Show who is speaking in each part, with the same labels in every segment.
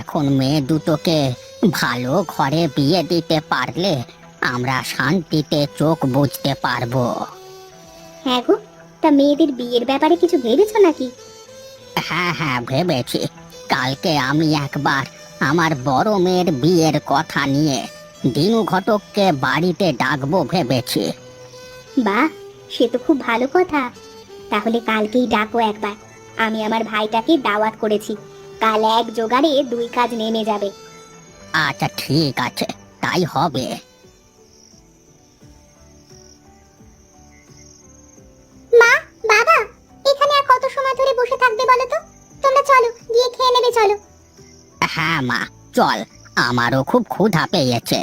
Speaker 1: এখন মেয়ে দুটোকে ভালো ঘরে বিয়ে দিতে পারলে আমরা শান্তিতে চোখ বুঝতে পারবো।
Speaker 2: হ্যাঁ গো, তা মেয়েদের বিয়ের ব্যাপারে কিছু ভেবেছো নাকি?
Speaker 1: হ্যাঁ হ্যাঁ, ভেবেছি। কালকে আমি একবার আমার বড় মেয়ের বিয়ের কথা নিয়ে দিনু ঘটককে বাড়িতে ডাকবো ভেবেছি।
Speaker 2: বাহ, সে তো খুব ভালো কথা। তাহলে কালকেই ডাকো একবার। আমি আমার ভাইটাকে দাওয়াত করেছি। কাল এক জোগাড়ে দুই কাজ নেমে যাবে।
Speaker 1: আচ্ছা ঠিক আছে, তাই হবে।
Speaker 2: মা, বাবা, এখানে আর কত সময় ধরে বসে থাকবে বলো তো? তোমরা চলো, গিয়ে খেয়ে নেবে চলো।
Speaker 1: হ্যাঁ মা, চল, আমারও খুব ক্ষুধা পেয়েছে।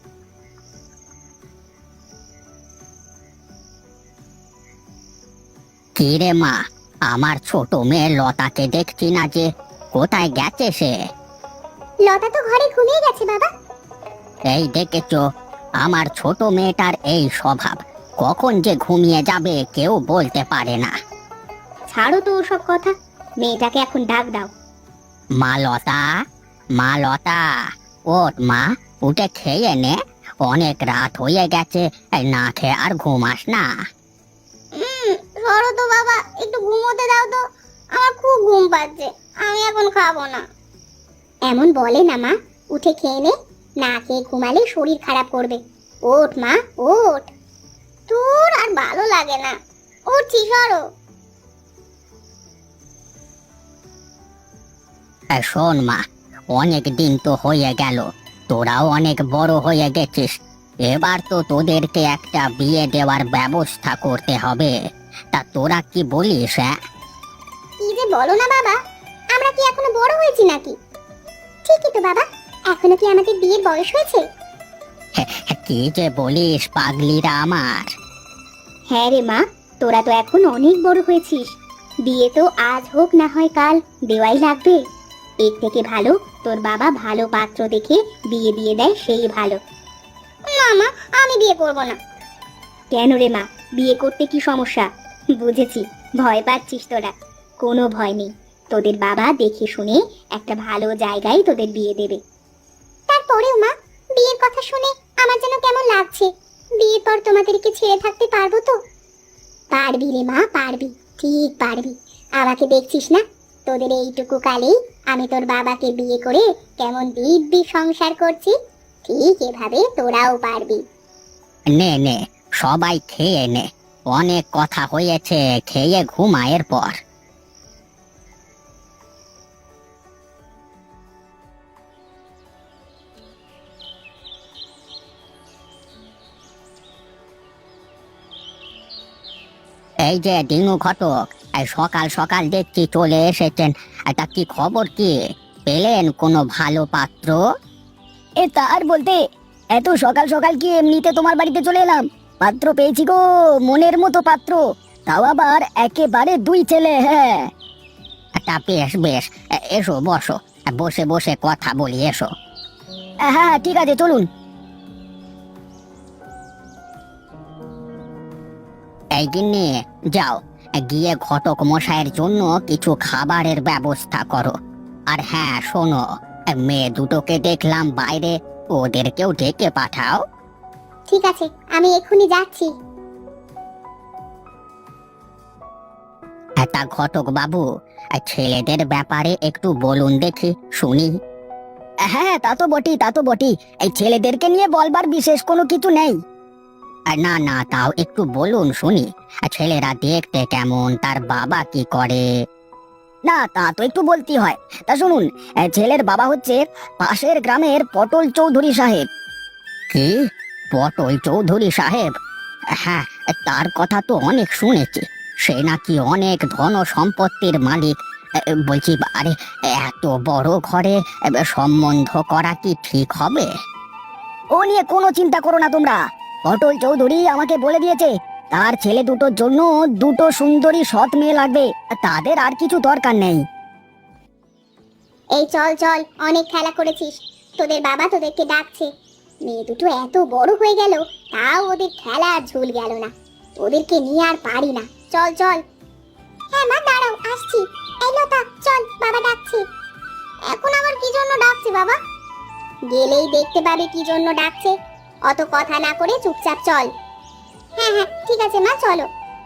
Speaker 1: কি রে মা, আমার ছোট মেয়ে লতাকে দেখছি না যে, কোথায় গেছে সে?
Speaker 2: লতা তো ঘরে ঘুমিয়ে গেছে বাবা।
Speaker 1: এই দেখেছো, আমার ছোট মেয়েটার এই স্বভাব, কখন যে ঘুমিয়ে যাবে কেউ বলতে পারে না।
Speaker 2: ছাড়ো তো ওসব কথা, মেয়েটাকে এখন ডাক দাও।
Speaker 1: মা লতা, মা লতা, ওঠ মা, উঠে খেয়ে নে। অনেক রাত হয়ে গেছে, না খেয়ে আর ঘুমাস না।
Speaker 2: সরো তো বাবা, একটু ঘুমোতে দাও তো, আমার খুব ঘুম পাচ্ছে, আমি এখন খাবো না। এমন বলে না মা, উঠে খেয়ে নে, না খেয়ে ঘুমালে শরীর খারাপ করবে। ওঠ মা, ওঠ। তোর আর ভালো লাগে না, উঠছি, সরো।
Speaker 1: শোন মা, অনেক দিন তো হয়ে গেল, তোরাও অনেক বড় হয়ে গেছিস। এবার তো তোদেরকে একটা বিয়ে দেওয়ার ব্যবস্থা করতে হবে। তা তোরা কি বলিস? হ্যাঁ,
Speaker 2: কি যে বলো না বাবা, আমরা কি এখনো বড় হয়েছি নাকি? ঠিকই তো বাবা, এখনো কি আমাদের বিয়ের বয়স হয়েছে?
Speaker 1: কি যে বলিস পাগলিরা আমার।
Speaker 2: হ্যাঁ রে মা, তোরা তো এখন অনেক বড় হয়েছিস। বিয়ে তো আজ হোক না হয় কাল দেওয়াই লাগবে। এর থেকে ভালো তোর বাবা ভালো পাত্র দেখে বিয়ে দিয়ে দেয়, সেই ভালো। না মা, আমি বিয়ে করব না। কেন রে মা, বিয়ে করতে কি সমস্যা? বুঝেছি, ভয় পাচ্ছিস তোরা। কোনো ভয় নেই, তোদের বাবা দেখে শুনে একটা ভালো জায়গায় তোদের বিয়ে দেবে। তারপরেও মা, বিয়ের কথা শুনে আমার যেন কেমন লাগছে। বিয়ের পর তোমাদেরকে ছেড়ে থাকতে পারবো তো? পারবি রে মা, পারবি, ঠিক পারবি। আমাকে দেখছিস না, তোদের এইটুকু কালেই আমি তোর বাবাকে বিয়ে করে কেমন দিব্যি সংসার করছি। ঠিক এভাবে তোরাও পারবি।
Speaker 1: নে নে, সবাই খেয়ে নে। অনেক কথা হয়েছে, খেয়ে ঘুমা এরপর। এই যে দিনু ঘটক, এই সকাল সকাল দেখছি চলে এসেছেন। তা কি খবর, কি পেলেন কোনো ভালো পাত্র?
Speaker 3: এ তার বলতে, এত সকাল সকাল কি এমনিতে তোমার বাড়িতে চলে এলাম? পাত্র পেয়েছি গো, মনের মতো পাত্র, তাও আবার একেবারে দুই ছেলে। হ্যাঁ,
Speaker 1: তা বেশ বেশ, এসো বসো, বসে বসে কথা বলি, এসো।
Speaker 3: হ্যাঁ ঠিক আছে, চলুন।
Speaker 1: এই গিন্নি, যাও, গিয়ে ঘটক মশাইয়ের জন্য কিছু খাবারের ব্যবস্থা করো। আর হ্যাঁ শোনো, মেয়ে দুটোকে দেখলাম বাইরে, ওদেরকেও ডেকে পাঠাও।
Speaker 2: ঠিক আছে, আমি এক্ষুনি যাচ্ছি।
Speaker 1: তা ঘটক বাবু, ছেলেদের ব্যাপারে একটু বলুন দেখি, শুনি।
Speaker 3: হ্যাঁ, তা তো বটি, তা তো বটি। এই ছেলেদেরকে নিয়ে বলবার বিশেষ কোনো কিছু নেই।
Speaker 1: না না, তাও একটু বলুন শুনি। ছেলেরা দেখতে কেমন, তার বাবা কি করে?
Speaker 3: না, তা তো একটু বলতেই হয়। তা শুনুন, ছেলের বাবা হচ্ছে পাশের গ্রামের পটল চৌধুরী সাহেব।
Speaker 1: কি, পটল চৌধুরী সাহেব? হ্যাঁ, তার কথা তো অনেক শুনেছি। সে নাকি অনেক ধন সম্পত্তির মালিক। বলছি, আরে এত বড় ঘরে সম্বন্ধ করা কি ঠিক হবে?
Speaker 3: ও নিয়ে কোনো চিন্তা করো না তোমরা। পটল চৌধুরী আমাকে বলে দিয়েছে তার ছেলে দুটোর জন্য দুটো সুন্দরী সৎ মেয়ে লাগবে, তাদের আর কিছু দরকার নেই।
Speaker 2: এই চল চল, অনেক খেলা করেছিস, তোদের বাবা তোদেরকে ডাকছে। মেয়ে দুটো এত বড় হয়ে গেল, তাও ওদের খেলা আর ঝুল গেল না। ওদেরকে নিয়ে আর পারি না, চল চল। হ্যাঁ মা, দাঁড়াও, আসছি। এই লতা, চল, বাবা ডাকছে। এখন আবার কি জন্য ডাকছে বাবা? গেলেই দেখতে পাবে কি জন্য ডাকছে। অত কথা না করে চুপচাপ চল। হ্যাঁ হ্যাঁ ঠিক আছে মা, চলো।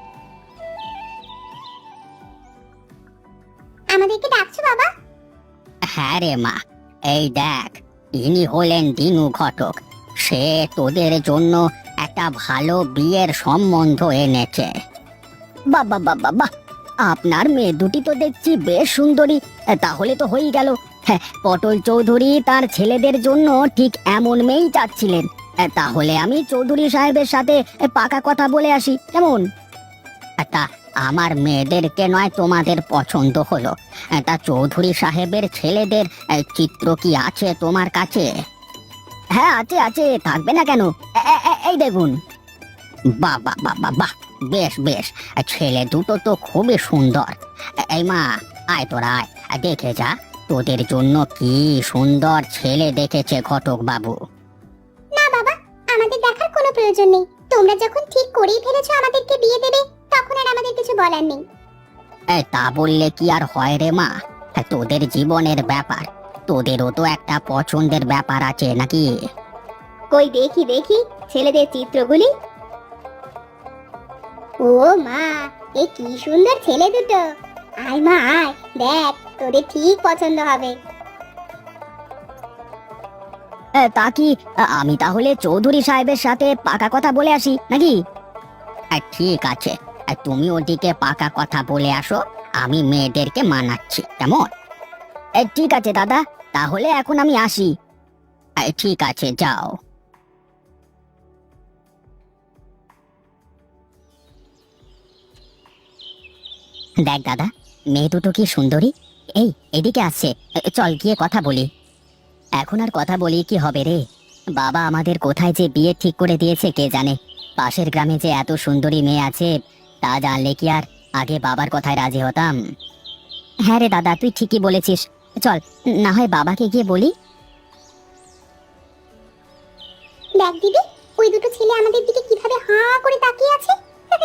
Speaker 2: আমাদেরকে ডাকছো বাবা?
Speaker 1: হ্যাঁ রে মা, এই দেখ, ইনি হলেন দিনু ঘটক। সে তোদের জন্য একটা ভালো বিয়ের সম্বন্ধ এনেছে।
Speaker 3: বাবা বাবা বাহ, আপনার মেয়ে দুটি তো দেখছি বেশ সুন্দরী। তাহলে তো হয়েই গেল। হ্যাঁ, পটল চৌধুরী তার ছেলেদের জন্য ঠিক এমন মেয়েই চাচ্ছিলেন। তাহলে আমি চৌধুরী সাহেবের সাথে পাকা কথা বলে আসি, কেমন?
Speaker 1: তা আমার মেয়েদেরকে নয় তোমাদের পছন্দ হলো, তা চৌধুরী সাহেবের ছেলেদের চিত্র কি আছে তোমার কাছে?
Speaker 3: হ্যাঁ আছে আছে, থাকবে না কেন? এই দেখুন।
Speaker 1: বাহ বাহ বাহ বাহ বাহ, বেশ বেশ, ছেলে দুটো তো খুবই সুন্দর। এই মা, আয় তোরা আয়, দেখে যা তোদের জন্য কি সুন্দর ছেলে দেখেছে ঘটক বাবু।
Speaker 2: না বাবা, আমাদের দেখার কোনো প্রয়োজন নেই। তোমরা যখন ঠিক করেই ফেলেছো আমাদেরকে বিয়ে দেবে, তখন আর আমাদের কিছু বলার নেই।
Speaker 1: তা বললে কি আর হয় রে মা? তোদের জীবনের ব্যাপার, তোদেরও তো একটা পছন্দের ব্যাপার আছে নাকি?
Speaker 2: কই দেখি দেখি ছেলেদের চিত্রগুলি। ও মা, এ কি সুন্দর ছেলে দুটো। আয় মা আয়, দেখ তোদের ঠিক পছন্দ হবে।
Speaker 3: তা কি আমি তাহলে চৌধুরী সাহেবের সাথে পাকা কথা বলে আসি নাকি?
Speaker 1: ঠিক আছে, তুমি ওদিকে পাকা কথা বলে আসো, আমি মেয়েদেরকে মানাচ্ছি, কেমন?
Speaker 3: ঠিক আছে দাদা, তাহলে এখন আমি আসি।
Speaker 1: ঠিক আছে, যাও। দেখ দাদা, মেয়ে দুটো কি সুন্দরী। এই এদিকে আসছে, চল গিয়ে কথা বলি। এখন আর কথা বলি কি হবে রে? বাবা আমাদের কোথায় যে বিয়ে ঠিক করে দিয়েছে কে জানে। পাশের গ্রামে যে এত সুন্দরী মেয়ে আছে, তা জানলে কি আর আগে বাবার কথায় রাজি হতাম? হ্যাঁ রে দাদা, তুই ঠিকই বলেছিস। চল, না হয় বাবাকে গিয়ে বলি।
Speaker 2: দেখ দিদি, ওই দুটো ছেলে আমাদের দিকে কিভাবে হাঁ করে তাকিয়ে আছে।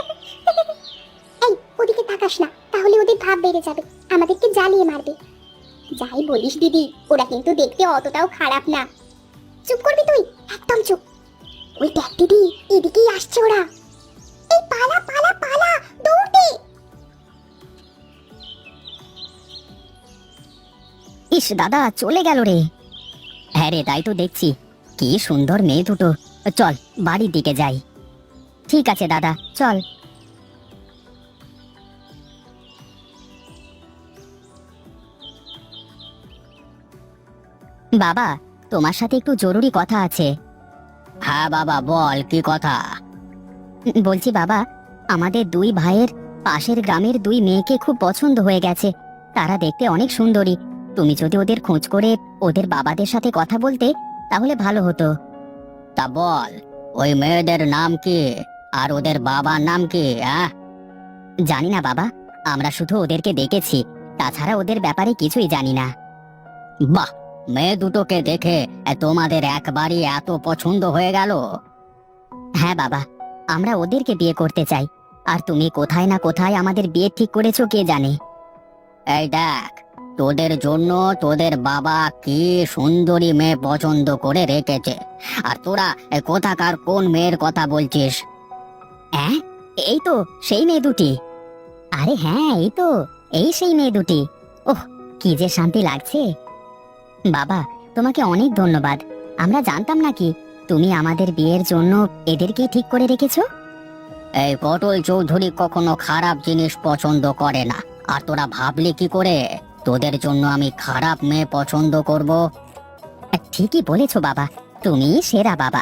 Speaker 2: এই ওদিকে তাকাস না, তাহলে ওদের ভাব বেড়ে যাবে, আমাদেরকে জ্বালিয়ে মারবে। যাই বলিস দিদি, ওরা কিন্তু দেখতে অতটাও খারাপ না। চুপ করবি তুই, একদম চুপ। ওই দেখ দিদি, এদিকেই আসছে ওরা। এই পালা পালা পালা, দৌড় দে।
Speaker 3: ইস দাদা, চলে গেল রে।
Speaker 1: হ্যাঁ রে, তাই তো দেখছি, কি সুন্দর মেয়ে দুটো। চল বাড়ির দিকে যাই।
Speaker 3: ঠিক আছে দাদা, চল।
Speaker 1: বাবা, তোমার সাথে একটু জরুরি কথা আছে। হ্যাঁ বাবা, বল কি কথা?
Speaker 3: বলছি বাবা, আমাদের দুই ভাইয়ের পাশের গ্রামের দুই মেয়েকে খুব পছন্দ হয়ে গেছে। তারা দেখতে অনেক সুন্দরী। তুমি যদি ওদের খোঁজ করে ওদের বাবাদের সাথে কথা বলতে, তাহলে ভালো হতো।
Speaker 1: তা বল, ওই মেয়েদের নাম কি আর ওদের বাবার নাম কি?
Speaker 3: জানি না বাবা, আমরা শুধু ওদেরকে দেখেছি, তাছাড়া ওদের ব্যাপারে কিছুই জানি না।
Speaker 1: বাহ, মেয়ে দুটোকে দেখে তোমাদের একবারই এত পছন্দ হয়ে গেল?
Speaker 3: হ্যাঁ বাবা, আমরা ওদেরকে বিয়ে করতে চাই। আর তুমি কোথায় না কোথায় আমাদের বিয়ে ঠিক করেছো কে জানে।
Speaker 1: এই দেখ, তোদের জন্য তোদের বাবা কি সুন্দরী মেয়ে পছন্দ করে রেখেছে, আর তোরা কোথাকার কোন মেয়ের কথা বলছিস?
Speaker 3: হ্যাঁ, এই তো সেই মেয়ে দুটি। আরে হ্যাঁ, এই সেই মেয়ে দুটি। ওহ, কি যে শান্তি লাগছে। বাবা, তোমাকে অনেক ধন্যবাদ। আমরা জানতাম নাকি তুমি আমাদের বিয়ের জন্য এদেরকেই ঠিক করে রেখেছো।
Speaker 1: এই পটল চৌধুরী কখনো খারাপ জিনিস পছন্দ করে না, আর তোরা ভাবলি কি করে তোদের জন্য আমি খারাপ মেয়ে পছন্দ করব?
Speaker 3: ঠিকই বলেছো বাবা, তুমি সেরা বাবা।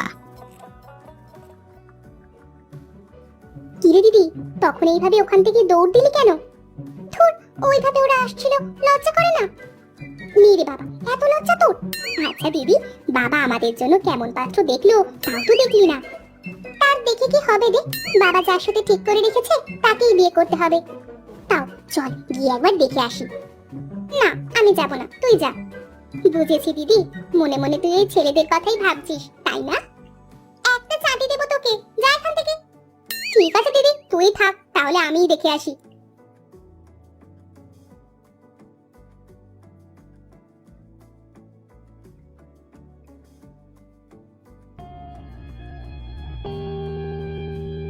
Speaker 2: কিরে দিদি, তখন এইভাবে ওখান থেকে দৌড় দিলি কেন? ধুর, ওইভাবে ওরা আসছিল, লজ্জা করে না? নে রে বাবা, এত লজ্জা তোর? আচ্ছা দিদি, বাবা আমাদের জন্য কেমন পাত্র দেখলো তাও তো দেখলি না। তার দেখে কি হবে রে? বাবা যার সাথে ঠিক করে রেখেছে তাকেই বিয়ে করতে হবে। তাও চল গিয়ে একবার দেখে আসি। না, আমি যাব না, তুই যা। বুঝেছি দিদি, মনে মনে তুই এই ছেলেদের কথাই ভাবছিস, তাই না? একটা চাটি দেবো তোকে, যা এখান থেকে। ঠিক আছে দিদি, তুই থাক, তাহলে আমিই দেখে আসি।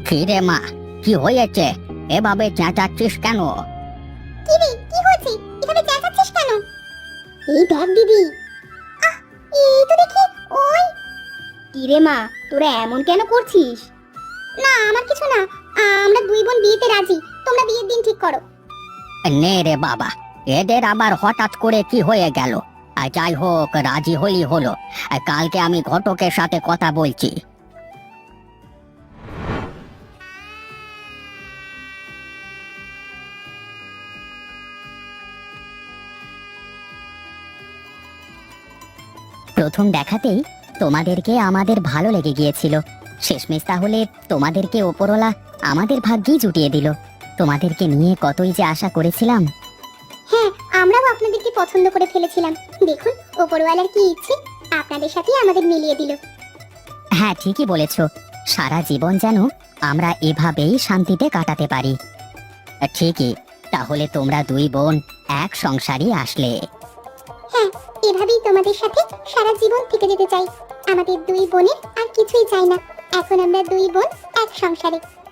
Speaker 1: কি রে মা, কি হয়েছে? এভাবে চেঁচাচ্ছিস কেন?
Speaker 2: কি রে, কি হয়েছে? এভাবে চেঁচাচ্ছিস কেন? এই দেখ দিদি, এই তো দেখি ওই। কি রে মা, তোরা এমন কেন করছিস? না, আমার কিছু না। আমরা দুই বোন বিয়েতে রাজি। তোমরা বিয়ের দিন ঠিক করো।
Speaker 1: নে রে বাবা, এদের আবার হঠাৎ করে কি হয়ে গেল? আর যাই হোক, রাজি হলি হলো। আর কালকে আমি ঘটকের সাথে কথা বলছি।
Speaker 3: প্রথম দেখাতেই তোমাদেরকে আমাদের ভালো লেগে গিয়েছিল। শেষমেশ তাহলে তোমাদেরকে ওপরওয়ালা আমাদের ভাগ্যেই জুটিয়ে দিল। তোমাদেরকে নিয়ে কতই যে আশা করেছিলাম।
Speaker 2: হ্যাঁ, আমরাও আপনাদেরকে পছন্দ করে ফেলেছিলাম। দেখুন, ওপরওয়ালার কি ইচ্ছে, আপনাদের সাথেই আমাদের মিলিয়ে দিল।
Speaker 3: হ্যাঁ, ঠিকই বলেছ। সারা জীবন যেন আমরা এভাবেই শান্তিতে কাটাতে পারি।
Speaker 1: ঠিকই, তাহলে তোমরা দুই বোন এক সংসারই আসলে।
Speaker 2: হ্যাঁ, এভাবেই তোমাদের সাথে সারা জীবন থেকে যেতে চাই। আমাদের দুই বোনের আর কিছুই চাই না। এখন আমরা দুই বোন এক সংসারে।